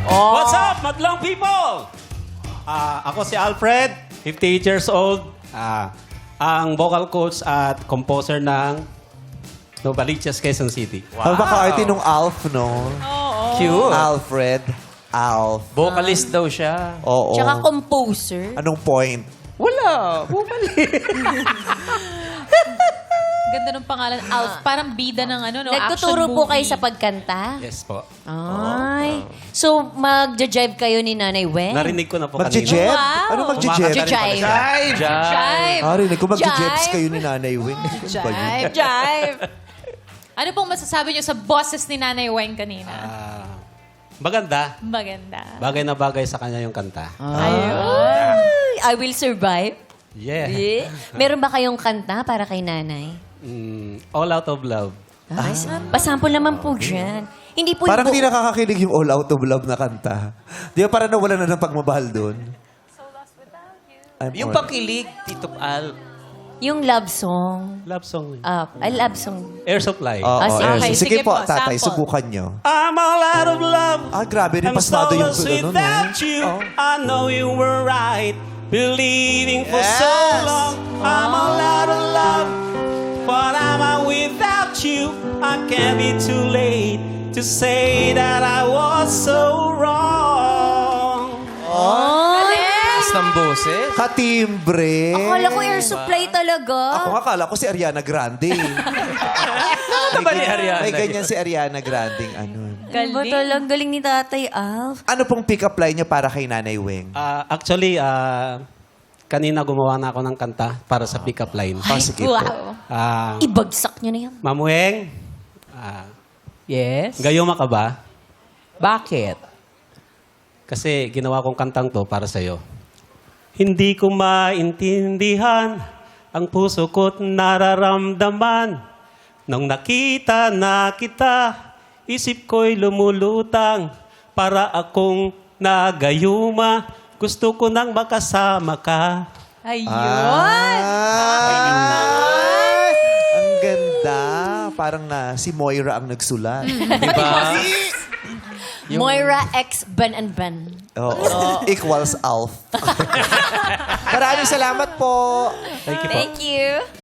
What's up, madlang people? Ako si Alfred, 58 years old. Ang vocal coach at composer ng Novaliches, Quezon City. Ang baka-arte nung Alf, no? Cute. Alfred. Alf. Vocalist daw siya. Oo. Tsaka composer. Anong point? Wala. Bumalik. Ganda ng pangalan. Alf. Parang bida ng ano, no? Nagtuturo action po movie. kayo sa pagkanta? Yes po. Ay. So, magja-jive kayo ni Nanay Wen? Narinig ko na po Magje-jet? Wow. Ano magje-jet? Magja-jive. Jive. Ah, rinig ko magje-jets Jive. kayo ni Nanay Wing. Ano ba yun? Jive. Ano pong masasabi niyo sa boses ni Nanay Weng kanina? Maganda. Maganda. Bagay na bagay sa kanya yung kanta. Ay, I will survive. Yeah. Yeah. Meron ba kayong kanta para kay Nanay? All Out of Love. Ay, pasample naman po dyan. Hindi po Parang yung hindi nakakakilig yung All Out of Love na kanta. Di ba parang nawala na ng pagmamahal doon? Yung pakilig, Tito Al. yung love song. Love song. Ay, love song. Air Supply. Oo, sige. Okay, Sige sige po, po, tatay, sample. subukan nyo. I'm all out of love. Ah, grabe rin, I'm pasmado yung so lost ano, no? without you. I know you were right. Believing for so Yes. long. I'm all out of love. But am I without you? I can't be too late to say that I was so wrong. Taas ng boses. Katimbre. Akala ko air supply talaga. Ako nga, akala ko si Ariana Grande. Ano ba ni Ariana? May ganyan si Ariana Grande. Ano. Galing. Ba talagang galing ni Tatay Alf? Ano pong pick-up line niya para kay Nanay Weng? Actually, kanina gumawa na ako ng kanta para sa pick-up line. Sige po. Wow. Ah, Ibagsak niyo na yan. Ma'am Weng, Yes? gayuma ka ba? Bakit? Kasi ginawa kong kantang to para sa'yo. Hindi ko maintindihan ang puso ko't nararamdaman. Nung nakita na kita, isip ko'y lumulutang. Para akong nagayuma, gusto ko nang makasama ka. Ayun. Ay! Ang ganda. Parang na si Moira ang nagsulat. Diba? Moira X Ben and Ben. Oo. Equals Alf. Maraming salamat po. Thank you po. Thank you.